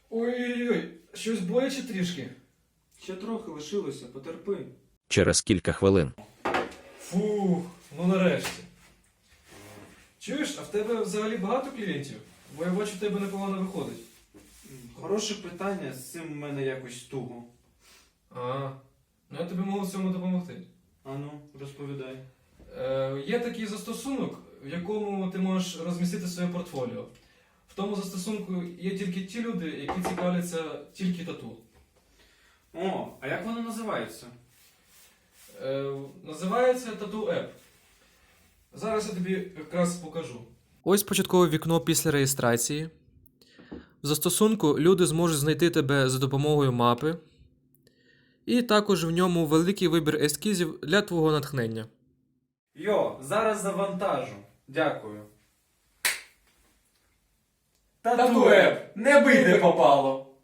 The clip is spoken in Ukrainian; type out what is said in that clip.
Ой-ой-ой, щось боляче трішки. Ще трохи лишилося, потерпи. Через кілька хвилин. Фух, ну нарешті. Чуєш, а в тебе взагалі багато клієнтів? Бо я бачу, в тебе непогано виходить. Хороше питання, з цим в мене якось туго. А, ну я тобі можу в цьому допомогти. Ану, розповідай. Є такий застосунок, в якому ти можеш розмістити своє портфоліо. В тому застосунку є тільки ті люди, які цікавляться тільки тату. О, а як воно називається? Називається Tattoo App. Зараз я тобі якраз покажу. Ось початкове вікно після реєстрації. В застосунку люди зможуть знайти тебе за допомогою мапи. І також в ньому великий вибір ескізів для твого натхнення. Йо, зараз завантажу. Дякую. Tattoo App. Не бий, де попало.